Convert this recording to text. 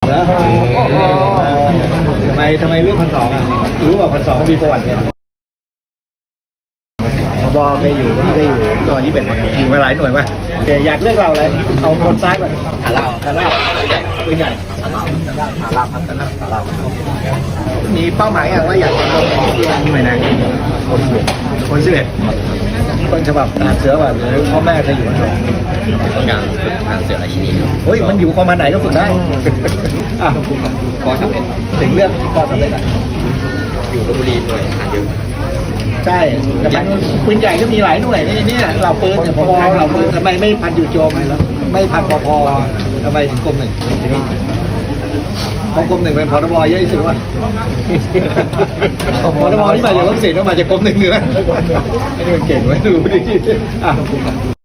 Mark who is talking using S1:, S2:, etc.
S1: แล้วทำไมเลือก1,200อ่ะรู้ว่า1,200มีประวัติเนี่ยบอเคยอยู่ที่เคยอยู่ตอน21อยู่มาหลายหน่วยป่ะแต่อยากเลือกเราอะไรเอาคนซ้ายก่อนขาลาปืนใหญ่ขาลาครับมีเป้าหมายอย่างว่าอยากจะลงหน่วยไหนคน11ต้นฉบับทหารเสือป่ะหรือพ่อแม่เคยอยู่ไหน
S2: ต้องการฝึกทางเสือราชินีครับ
S1: เฮ้ยมันอยู่ประมาณไหนก็ฝึกได้อ่ะ
S2: ปอสำเร็จ
S1: ถึงเรื่องปอสำเร็จอ่ะ
S2: อยู่ลพบุรีหน่วยทหารเยอะ
S1: ใช่แต่ปืนใหญ่ก็มีหลายหน่วยเนี่ยเราปืนเนี่ยพอเราปืนทำไมไม่พันอยู่โจมไม่พันพอทำไมถึงกรมหนึ่งเพราะกรมหนึ่งเป็นพรบเยอะที่สุดว่ะพรบที่มาจากรัฐศิลป์มาจากกรมหนึ่งเลยนะไอ้นี่มันเก่งไว้ดูดิ